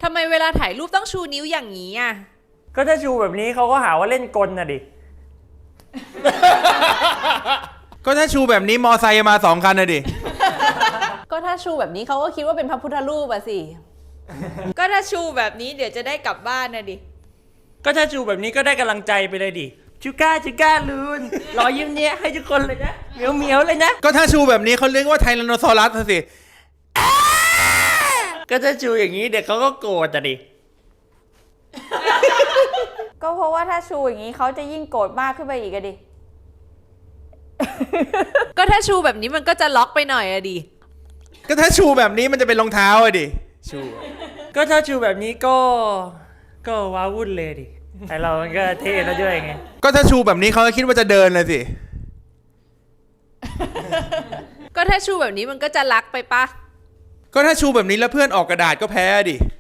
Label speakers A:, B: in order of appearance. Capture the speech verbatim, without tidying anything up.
A: ทำไมเวลาถ่ายรูปต้องชูนิ้วอย่างนี้อ่ะ
B: ก็ถ้าชูแบบนี้เขาก็หาว่าเล่นกลน่ะดิ
C: ก็ถ้าชูแบบนี้มอไซค์มาสองคันนะดิ
D: ก็ถ้าชูแบบนี้เขาก็คิดว่าเป็นพระพุทธรูปอะสิ
A: ก็ถ้าชูแบบนี้เดี๋ยวจะได้กลับบ้านนะดิ
B: ก็ถ้าชูแบบนี้ก็ได้กำลังใจไปเลยดิชูก้าชูก้าลูนรอยยิ้มเนี้ยให้ทุกคนเลยนะเหมียวเหมียวเลยนะ
C: ก็ถ้าชูแบบนี้เขาเรียกว่าไทแรนโนซอรัสสิ
B: ก็ถ้าชูอย่างนี้เด็กเขาก็โกรธอ่ะดิ
D: ก็เพราะว่าถ้าชูอย่างนี้เขาจะยิ่งโกรธมากขึ้นไปอีกอะดิ
A: ก็ถ้าชูแบบนี้มันก็จะล็อกไปหน่อยอะดิ
C: ก็ถ้าชูแบบนี้มันจะเป็นรองเท้าอะดิชู
B: ก็ถ้าชูแบบนี้ก็ก็ว้าวุ่นเลยดิไอเรามันก็เท่แล้วด้วยไง
C: ก็ถ้าชูแบบนี้เขาก็คิดว่าจะเดินเลยสิ
A: ก็ถ้าชูแบบนี้มันก็จะรักไปปะ
C: ก็ถ้าชูแบบนี้แล้วเพื่อนออกกระดาษก็แพ้ดิ